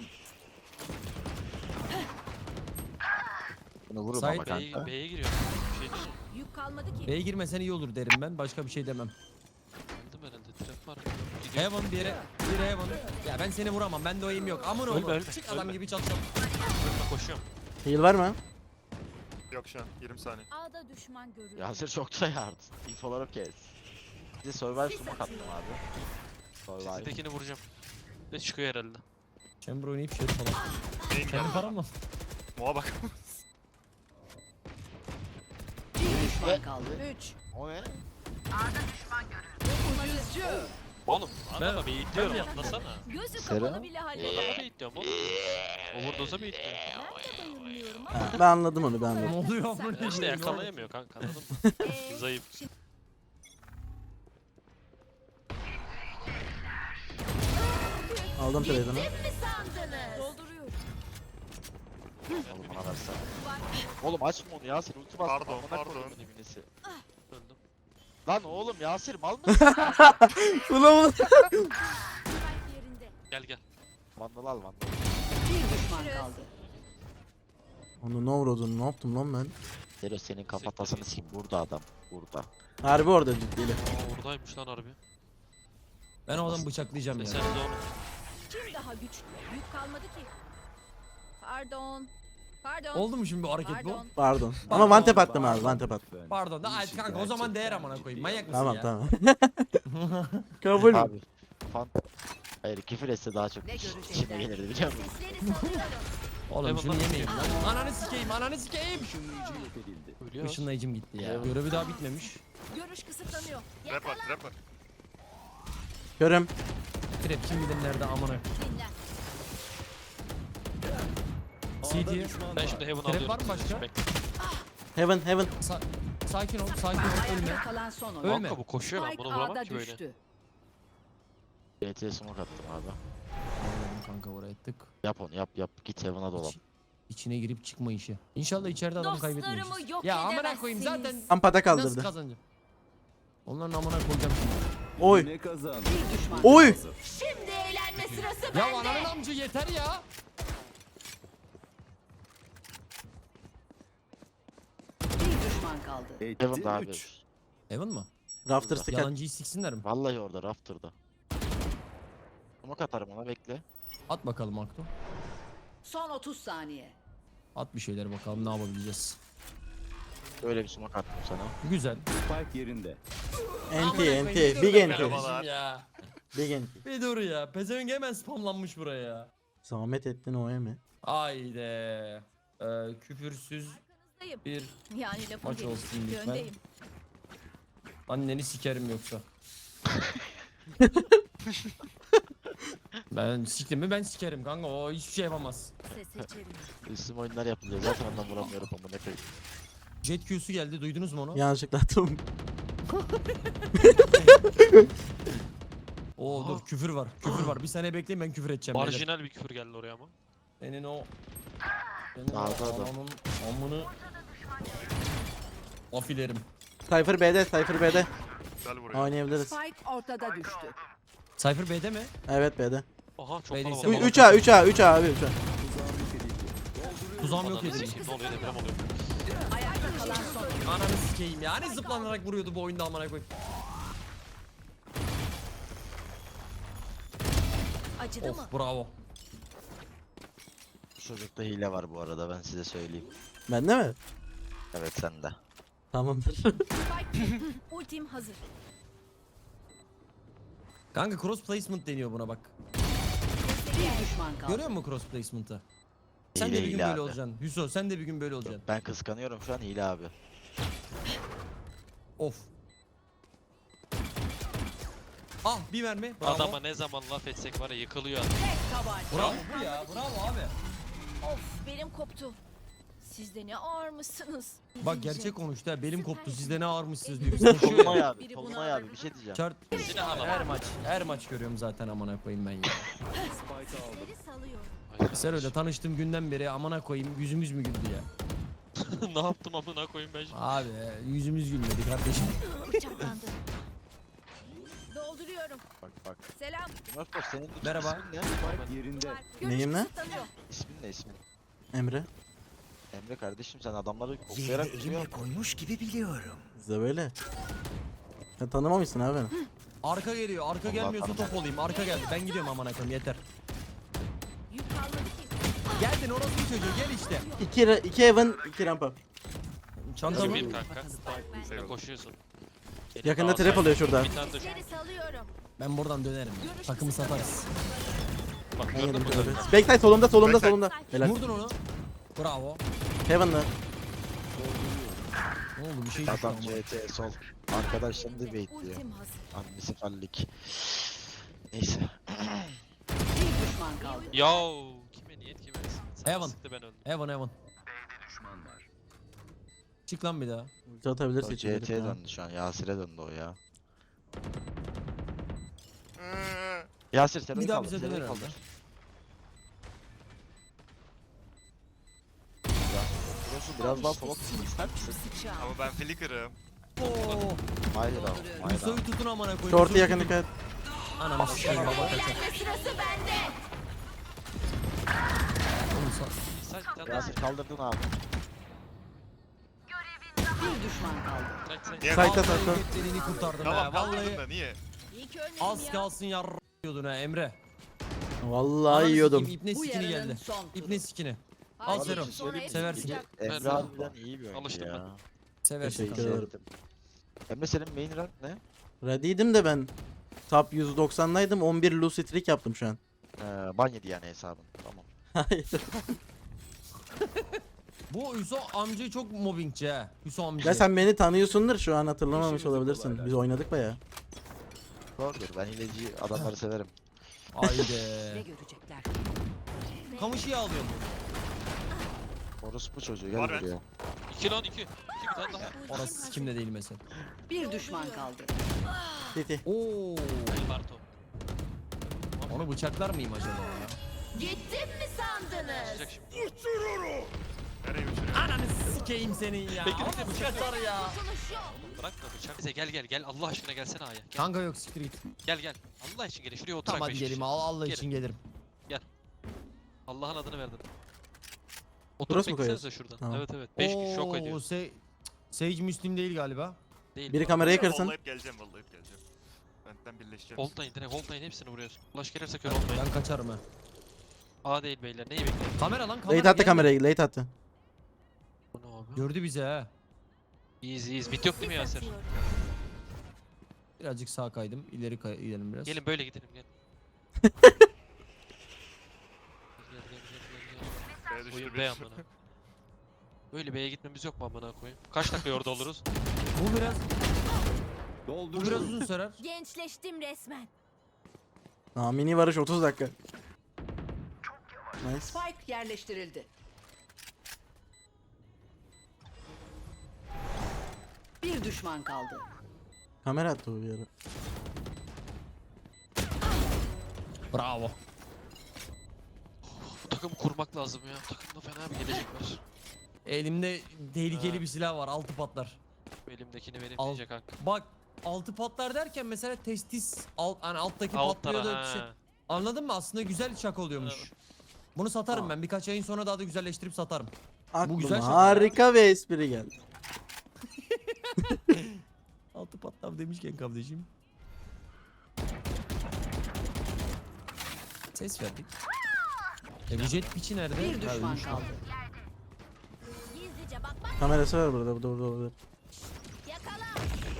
Speaker 4: Bunu vurun
Speaker 3: Sait
Speaker 4: ama kanka.
Speaker 5: B'ye giriyor. Bir şey değil mi?
Speaker 6: Yük kalmadı ki.
Speaker 3: B'ye girmesen iyi olur derim ben. Başka bir şey demem.
Speaker 5: Aldım herhalde. Trap var. Gidiyor.
Speaker 3: Heaven bir yere. Bir Heaven. Ya ben seni vuramam. Bende o aim yok. Aman oğlum.
Speaker 5: Ölme,
Speaker 3: Çık adam
Speaker 5: ölme.
Speaker 3: gibi çatacağım.
Speaker 5: Önüme koşuyorum.
Speaker 1: Heal var mı?
Speaker 7: Yok şu an 20 saniye.
Speaker 6: Ağda düşman görüldü.
Speaker 4: Yasir çok da yardı. İnfoları kes. Size survive smoke attım abi. Survive.
Speaker 5: Sizdekini vuracağım. Ve çıkıyor herhalde.
Speaker 3: Chamber oynayıp şey falan.
Speaker 7: Neyin
Speaker 3: Kendi
Speaker 7: geldi?
Speaker 3: param mı?
Speaker 7: Moğa bak.
Speaker 6: Bir düşman kaldı. 3.
Speaker 4: O ne?
Speaker 5: Oğlum adama bir itliyorum
Speaker 3: yaptım.
Speaker 5: anlasana.
Speaker 6: Gözü
Speaker 4: Sera?
Speaker 6: kapalı bile halleder.
Speaker 5: Adama bir itliyorum oğlum. Overdose'a bir itliyorum.
Speaker 6: Ben de bayılmıyorum
Speaker 1: Ha, ben anladım onu ben
Speaker 3: Ne
Speaker 1: anladım.
Speaker 3: oluyor amına
Speaker 5: İşte
Speaker 3: koyayım?
Speaker 5: yakalayamıyor kanka anladın mı?
Speaker 6: ama.
Speaker 5: Zayıf.
Speaker 1: Aldım trade'ını.
Speaker 6: Mi sandınız? Dolduruyorum.
Speaker 4: Oğlum bana versene. Oğlum açma onu Yasir ulti bastım.
Speaker 7: Pardon,
Speaker 4: amına
Speaker 7: pardon.
Speaker 4: koyduğumun ibnesi.
Speaker 5: Öldüm.
Speaker 4: Lan oğlum Yasir mal mısın?
Speaker 1: Ulan
Speaker 6: Spike yerinde.
Speaker 5: Gel.
Speaker 4: Vandal al vandal.
Speaker 6: Bir düşman kaldı.
Speaker 1: onu ne vurdun? Ne yaptım lan ben?
Speaker 4: Zero senin kafatasını sikeyim. Burada adam. Burada.
Speaker 1: Harbi orada ciddiyle.
Speaker 5: Aa oradaymış lan harbi.
Speaker 3: Ben o adamı bıçaklayacağım ya.
Speaker 5: Sen de onu.
Speaker 6: Kim daha güçlü? Yük kalmadı ki. Pardon. Pardon.
Speaker 3: Oldu mu şimdi bu hareket bu?
Speaker 6: Pardon.
Speaker 1: Pardon. Ama one tap attım abi one tap attım.
Speaker 3: Pardon da ay kanka o zaman değer amına koyayım. Manyak mısın
Speaker 1: Tamam
Speaker 3: ya?
Speaker 1: tamam. Kabul.
Speaker 4: Abi. Fan. Hayır küfür etse daha çok
Speaker 6: Ne
Speaker 4: içime
Speaker 6: görecekler?
Speaker 4: gelirdi biliyor musun?
Speaker 6: Sesleri salıyorum.
Speaker 3: Oğlum şunu
Speaker 5: Eyvallah.
Speaker 3: yemeyin lan. Ananı sikeyim ananı sikeyim.
Speaker 5: Ölüyor.
Speaker 3: Işınlayıcım gitti ya. Görevi daha bitmemiş.
Speaker 6: Görüş kısıtlanıyor.
Speaker 7: Trap var trap var.
Speaker 1: Görüm.
Speaker 3: Trap kim bilir nerede amına.
Speaker 6: Dinlen.
Speaker 3: CD.
Speaker 5: Ben şimdi Heaven
Speaker 3: Trap
Speaker 5: alıyorum.
Speaker 3: var mı başka?
Speaker 5: Bekle.
Speaker 1: Heaven heaven.
Speaker 3: Sakin ol, sakin ol, ölme.
Speaker 6: Ayakta kalan son oyun.
Speaker 3: Ölme.
Speaker 5: Kanka bu koşuyor ben
Speaker 6: Spike
Speaker 5: bunu vuramam
Speaker 6: A'da
Speaker 5: ki böyle.
Speaker 6: düştü.
Speaker 4: CT'ye smoke attım abi.
Speaker 3: Allah'ım kanka oraya tık.
Speaker 4: Yap onu yap. Git Heaven'a dolan.
Speaker 3: İçine girip çıkma işi. İnşallah içeride adam kaybetmeyiz.
Speaker 6: Dostlarımı yok
Speaker 3: Ya amına koyayım zaten
Speaker 6: edemezsiniz.
Speaker 1: Ampada
Speaker 3: nasıl
Speaker 1: kaldırdı.
Speaker 3: kazanacağım? Onların amına koyacağım şimdi.
Speaker 1: Oy.
Speaker 8: Ne kazandı?
Speaker 6: Bir düşman.
Speaker 1: Oy.
Speaker 6: Şimdi eğlenme sırası
Speaker 3: Ya
Speaker 6: bende.
Speaker 3: ananın amcı yeter ya.
Speaker 6: Bir düşman kaldı.
Speaker 8: Etti
Speaker 4: Heaven'da abi.
Speaker 8: 3.
Speaker 3: Evan mı?
Speaker 1: Rafter stick at.
Speaker 3: Yalancıyı siksinler mi?
Speaker 4: Vallahi orada Rafter'da. Smoke atarım ona bekle.
Speaker 3: At bakalım Akto.
Speaker 6: Son 30 saniye.
Speaker 3: At bir şeyler bakalım ne yapabileceğiz.
Speaker 4: Böyle bir smoke attım sana.
Speaker 3: Güzel.
Speaker 8: Spike yerinde.
Speaker 1: NT
Speaker 3: Amına
Speaker 1: NT.
Speaker 3: koyayım,
Speaker 1: Big
Speaker 3: bir dur be
Speaker 1: NT.
Speaker 3: kardeşim ya.
Speaker 1: Big NT.
Speaker 3: Bir dur ya. Pezevenk hemen spamlanmış buraya ya.
Speaker 1: Zahmet ettin o mi?
Speaker 3: Haydi. Küfürsüz
Speaker 6: Arkanızdayım.
Speaker 3: bir
Speaker 6: Yani lafın
Speaker 3: Maç olsun
Speaker 6: gelişi.
Speaker 3: lütfen.
Speaker 6: Öndeyim.
Speaker 3: anneni sikerim yoksa. Ben siktim mi ben sikerim kanka o hiçbir şey yapamaz.
Speaker 6: Ses seçerim.
Speaker 4: Üstüm oyunlar yapılıyor. Zaten ondan vuramıyorum ama ne koyayım.
Speaker 3: Jet Q'su geldi duydunuz mu onu?
Speaker 1: Yanlışlıkla attım.
Speaker 3: Oo dur küfür var küfür var bir saniye bekleyin ben küfür edeceğim. beyler.
Speaker 5: Marjinal bir küfür geldi oraya ama.
Speaker 3: Senin o... Senin o
Speaker 4: Sağda adam.
Speaker 3: ananın amını... Afilerim.
Speaker 1: Cypher B'de, Cypher B'de.
Speaker 7: Güzel vuruyor.
Speaker 1: Oynayabiliriz.
Speaker 6: Spike ortada düştü.
Speaker 3: Cypher B'de mi?
Speaker 1: Evet B'de.
Speaker 5: Aha çok
Speaker 3: Beyliyse
Speaker 5: kalabalık.
Speaker 3: bana-
Speaker 1: 3A 3A 3A abi 3A.
Speaker 3: Tuzağım yok
Speaker 5: Ananı
Speaker 3: edildi.
Speaker 5: sikeyim, ne oluyor deprem oluyor.
Speaker 6: Ayakta kalan son oyun.
Speaker 3: Ananı sikeyim ya. Hani zıplanarak vuruyordu bu oyunda amına koyayım.
Speaker 6: Acıdı mı?
Speaker 3: Of bravo.
Speaker 4: Bu çocukta hile var bu arada ben size söyleyeyim.
Speaker 1: Bende mi?
Speaker 4: Evet sende.
Speaker 1: Tamamdır.
Speaker 6: Spike ultim hazır.
Speaker 3: Kanka cross placement deniyor buna bak.
Speaker 6: Bir düşman kaldı.
Speaker 3: Görüyor musun cross placement'ı? Sen de
Speaker 4: Hile
Speaker 3: bir gün
Speaker 4: hile
Speaker 3: böyle
Speaker 4: abi.
Speaker 3: olacaksın. Hüso sen de bir gün böyle olacaksın.
Speaker 4: Ben kıskanıyorum şu an hile abi.
Speaker 3: Of. Ah bir mermi. Bravo.
Speaker 5: Adama ne zaman laf etsek var ya yıkılıyor adam.
Speaker 6: Tek tabanca.
Speaker 3: Bravo bu ya. Bravo abi.
Speaker 6: Of benim koptu. Siz de ne ağırmışsınız.
Speaker 3: Bak gerçek konuştu ha. Belim koptu. Siz de ne ağırmışsınız diyor. Biz konuşuyor
Speaker 4: Tolunay
Speaker 3: ya.
Speaker 4: abi,
Speaker 6: Biri
Speaker 4: Tolunay
Speaker 6: bunu
Speaker 4: abi bir şey diyeceğim.
Speaker 3: Çart.
Speaker 5: Yine ağlama.
Speaker 3: Her maç görüyorum zaten amına koyayım ben ya.
Speaker 8: Spike aldı.
Speaker 6: Sesleri salıyorum.
Speaker 3: Sen öyle tanıştığım günden beri amına koyayım yüzümüz mü güldü ya?
Speaker 5: Ne yaptım amına koyayım ben şimdi.
Speaker 3: Abi yüzümüz gülmedi kardeşim.
Speaker 6: Bıçaklandı. Dolduruyorum.
Speaker 4: Bak.
Speaker 6: Selam.
Speaker 4: Mörfos senin
Speaker 3: Merhaba.
Speaker 4: ismin ne?
Speaker 8: Spike yerinde.
Speaker 6: Görüş
Speaker 1: Neyim lan?
Speaker 6: kısıtlanıyor.
Speaker 4: İsmin ne ismin?
Speaker 1: Emre.
Speaker 4: Emre kardeşim sen adamları okuyarak duruyor.
Speaker 1: Size böyle. Ya tanımamışsın abi beni.
Speaker 3: Arka geliyor. Arka
Speaker 4: Allah
Speaker 3: gelmiyorsa
Speaker 4: Allah.
Speaker 3: top olayım. Arka geldi. Ben gidiyorum amına koyayım yeter.
Speaker 6: Yük kalmadı ki.
Speaker 3: Geldin orası çocuğu gel işte.
Speaker 1: 2 Heaven 2 rampa.
Speaker 3: Çantamı.
Speaker 5: Bir kanka. Sen
Speaker 7: Eyvallah.
Speaker 5: koşuyorsun.
Speaker 1: Yakında
Speaker 5: Aa,
Speaker 1: trap
Speaker 5: sağ-
Speaker 1: oluyor şurada.
Speaker 5: Bir tane de
Speaker 6: Sesleri salıyorum.
Speaker 3: Ben buradan dönerim. ya. Takımı satarız.
Speaker 5: bak
Speaker 1: Ben
Speaker 5: gördün
Speaker 1: yedim
Speaker 5: mü?
Speaker 1: trap'i. Backside solumda solumda
Speaker 7: Backside.
Speaker 1: solumda. Helal.
Speaker 3: Vurdun onu. Bravo.
Speaker 1: Heaven'da.
Speaker 3: Ne oldu bir şey düştü
Speaker 4: Adam
Speaker 3: ama.
Speaker 4: CT sol. Arkadaşlarını da bekliyor.
Speaker 6: Ultim hazır.
Speaker 4: Annesi fallik. Neyse.
Speaker 6: Bir düşman kaldı.
Speaker 5: Yav. Kime niyet kime? Sana
Speaker 3: Evan.
Speaker 5: sıktı ben öldüm.
Speaker 3: Evan Evan. Çık lan bir daha.
Speaker 1: Ulti atabilirse
Speaker 4: O
Speaker 1: içeri.
Speaker 4: CT'ye döndü şu an. Yasir'e döndü o ya. Yasir sen
Speaker 3: Bir daha
Speaker 4: kaldır,
Speaker 3: bize
Speaker 4: sen
Speaker 3: döner
Speaker 4: kaldır.
Speaker 3: herhalde.
Speaker 4: Burası biraz daha sola tutsun ister misin?
Speaker 6: Sıçra.
Speaker 7: Ama ben flicker'ım.
Speaker 3: Oo.
Speaker 4: Hayır abi. Hayır
Speaker 3: Hüso'yu
Speaker 4: abi.
Speaker 3: tutun amına koyayım.
Speaker 1: Short'u
Speaker 3: Hüso'yu
Speaker 1: yakın
Speaker 3: tutun.
Speaker 1: dikkat.
Speaker 3: Ananı sikeyim baba kaçar.
Speaker 6: Eğlenme sırası bende.
Speaker 3: Oğlum
Speaker 5: Sen bir tane daha
Speaker 4: Yasir kaldırdın abi.
Speaker 6: Bir düşman kaldı.
Speaker 5: Bırak sen.
Speaker 7: Niye?
Speaker 1: Sayta
Speaker 3: Vallahi
Speaker 1: sakla.
Speaker 3: götlerini kurtardım
Speaker 7: Tamam
Speaker 3: ha.
Speaker 7: kaldırdın
Speaker 3: Vallahi
Speaker 7: da niye?
Speaker 6: İyi ki ölmedim
Speaker 3: az
Speaker 6: ya.
Speaker 3: kalsın diyordun ha Emre.
Speaker 1: Vallahi
Speaker 3: Ananı
Speaker 1: yiyordum.
Speaker 3: sikeyim, İpne
Speaker 6: Bu
Speaker 3: sikini
Speaker 6: yarının
Speaker 3: geldi.
Speaker 6: son turu.
Speaker 3: İpne sikini.
Speaker 6: Haydi
Speaker 3: Al Serum.
Speaker 6: sonra hepsi
Speaker 3: Seversin.
Speaker 6: çıkacak.
Speaker 4: Emre
Speaker 5: Ver.
Speaker 4: harbiden iyi bir oyuncu
Speaker 5: Alıştım
Speaker 4: ya.
Speaker 3: Seversin
Speaker 1: Teşekkür
Speaker 3: kanka.
Speaker 1: ederim.
Speaker 4: Emre senin main rank ne?
Speaker 1: Ready'ydim de ben. Top 190'daydım. 11 lose streak yaptım şu an.
Speaker 4: Ban yedi yani hesabın. Tamam.
Speaker 1: Hayır.
Speaker 3: Bu Hüso amcayı çok mobbingçi ha. Hüso amca.
Speaker 1: Ya sen beni tanıyorsundur şu an hatırlamamış
Speaker 8: İşimizi
Speaker 1: olabilirsin.
Speaker 8: kolaylaştır.
Speaker 1: Biz oynadık baya.
Speaker 4: Doğrudur ben hileci adamları severim.
Speaker 6: Ne
Speaker 3: Haydi.
Speaker 6: görecekler?
Speaker 3: Kamışı alıyorum.
Speaker 4: Orospu çocuğu gel
Speaker 7: Var ben.
Speaker 4: buraya.
Speaker 5: 2 lan 2. 2 bir tane daha.
Speaker 3: Orası kimde değil mesela.
Speaker 6: Bir düşman kaldı.
Speaker 1: Titi.
Speaker 3: Oo.
Speaker 5: El Barto.
Speaker 3: Onu bıçaklar mıyım acaba ya?
Speaker 6: Gittim mi sandınız?
Speaker 5: Sıcak şimdi.
Speaker 7: Nereye uçuruyor?
Speaker 3: Ananı sikeyim senin ya.
Speaker 5: Bekle, bekle,
Speaker 3: Ama
Speaker 5: bıçak
Speaker 3: bıçak ya.
Speaker 5: Bırak da bıçak. Bize gel Allah aşkına gelsene A'ya. Gel
Speaker 3: Kanka yok siktir git.
Speaker 5: gel. Allah için gel. Şuraya oturak
Speaker 3: Tamam hadi
Speaker 5: 5
Speaker 3: geleyim.
Speaker 5: kişi.
Speaker 3: Allah
Speaker 5: Gelin.
Speaker 3: için gelirim.
Speaker 5: Allah'ın adını verdin.
Speaker 1: Burası
Speaker 5: Oturup
Speaker 1: mı
Speaker 5: beklesenize şuradan.
Speaker 1: Tamam.
Speaker 5: Evet. 5 kişi şok
Speaker 3: Oo,
Speaker 5: ediyor.
Speaker 3: Sage Müslim değil galiba.
Speaker 5: Değil.
Speaker 1: Biri
Speaker 5: bu.
Speaker 1: kamerayı kırsın.
Speaker 7: Vallahi geleceğim vallahi geleceğim. Benden birleşeceğim.
Speaker 5: Hold'dayın direkt hold'dayın hepsini vuruyorsun. Ulaş gelirse kör olmayın.
Speaker 3: Ben kaçarım ha.
Speaker 5: A değil beyler. Neyi bekliyorsun?
Speaker 3: Kamera lan kamera.
Speaker 1: Late attı
Speaker 3: gelme.
Speaker 1: kamerayı. Late attı.
Speaker 5: Bu ne abi?
Speaker 3: Gördü bizi ha.
Speaker 5: İyiyiz. Bit yok değil mi Yasir?
Speaker 3: Birazcık sağa kaydım. İleri gidelim biraz.
Speaker 5: Gelin böyle gidelim gel.
Speaker 7: B'ye düştü
Speaker 5: Oyun
Speaker 7: bir.
Speaker 5: B amına. Böyle B'ye gitmemiz yok mu amına koyayım? Kaç dakika orada oluruz?
Speaker 3: Bu biraz
Speaker 8: Dolduruyorum.
Speaker 3: uzun sürer.
Speaker 6: Gençleştim resmen.
Speaker 1: Mini varış 30 dakika. Nice.
Speaker 6: Spike yerleştirildi. Bir düşman kaldı.
Speaker 1: Kamera attı bu bir ara.
Speaker 3: Bravo.
Speaker 5: Bu takımı kurmak lazım ya. Bu takımda fena bir gelecek var.
Speaker 3: Elimde tehlikeli
Speaker 5: Ha.
Speaker 3: bir silah var. Altı patlar.
Speaker 5: Bu elimdekini vereyim
Speaker 3: Al.
Speaker 5: diyecek kanka.
Speaker 3: Bak altı patlar derken mesela testis hani alttaki
Speaker 5: Alt
Speaker 3: patlıyor da
Speaker 5: tara
Speaker 3: bir şey.
Speaker 5: ha.
Speaker 3: Anladın mı? Aslında güzel şaka oluyormuş.
Speaker 5: Evet.
Speaker 3: Bunu satarım ben. Birkaç ayın sonra daha da güzelleştirip satarım.
Speaker 1: Aklıma
Speaker 3: güzel şaka
Speaker 1: harika bir espri geldi.
Speaker 3: Altı patlar demişken kardeşim. Ses verdik. Bu jet piçi nerede?
Speaker 6: Bir
Speaker 3: Ha,
Speaker 6: düşman
Speaker 3: ölmüş.
Speaker 6: kaldı. Gizlice bakmak
Speaker 1: Kamerası var burada.
Speaker 6: yakala.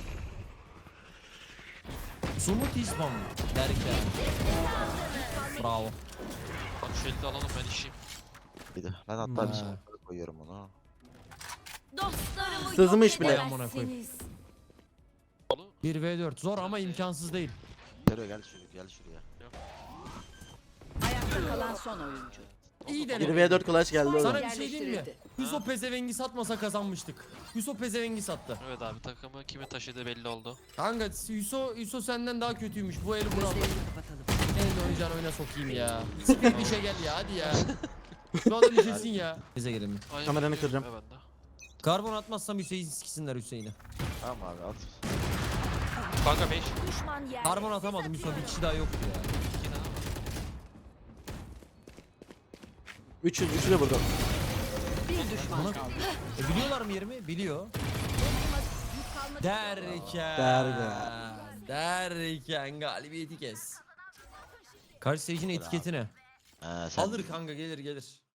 Speaker 3: Sumut İslam derken. Bravo.
Speaker 5: Bak şu elde alalım ben işim.
Speaker 4: Bir de. Ben hatta bir
Speaker 3: Ha.
Speaker 4: smoke'ları koyuyorum onu.
Speaker 6: Dostlarımı
Speaker 1: Sızmış
Speaker 6: yok
Speaker 1: bile.
Speaker 3: Amına koyayım.
Speaker 6: edemezsiniz.
Speaker 3: 1v4 zor ama imkansız değil.
Speaker 4: Gel gel şuraya.
Speaker 6: Ayakta kalan son oyuncu.
Speaker 3: İyi
Speaker 1: 1
Speaker 3: deneme.
Speaker 1: v 4 clutch geldi o
Speaker 3: Sana
Speaker 1: zaman.
Speaker 3: bir şey diyeyim mi?
Speaker 6: Yerleştirildi.
Speaker 3: Yusuf pezevengi satmasa kazanmıştık. Yusuf pezevengi sattı.
Speaker 5: Evet abi takımı kimi taşıdığı belli oldu.
Speaker 3: Kanka Yusuf senden daha kötüymüş. Bu eli bunu aldı.
Speaker 6: Gözlerini kapatalım.
Speaker 3: En oynayacağın oyuna sokayım ya. Siktir işe gel ya hadi ya. Şu adam işesin ya. Bize gelelim.
Speaker 5: Ay,
Speaker 1: Kameranı
Speaker 5: biliyorum
Speaker 1: kıracağım.
Speaker 5: ya ben de.
Speaker 3: Karbon atmazsam Hüseyin sikisinler Hüseyin'i.
Speaker 4: Tamam abi at.
Speaker 5: Kanka 5.
Speaker 6: Düşman yer.
Speaker 3: Karbon atamadım Yusuf. Bir kişi daha yoktu ya.
Speaker 5: 2 daha.
Speaker 1: 3'ü de burada.
Speaker 6: Bir düşman kaldı.
Speaker 3: Biliyorlar mı yerimi? Biliyor.
Speaker 6: Yük kalmadı.
Speaker 3: Derken galibiyeti kes. Karşı seyircinin etiketi ne?
Speaker 4: Sen
Speaker 3: Alır kanka gelir.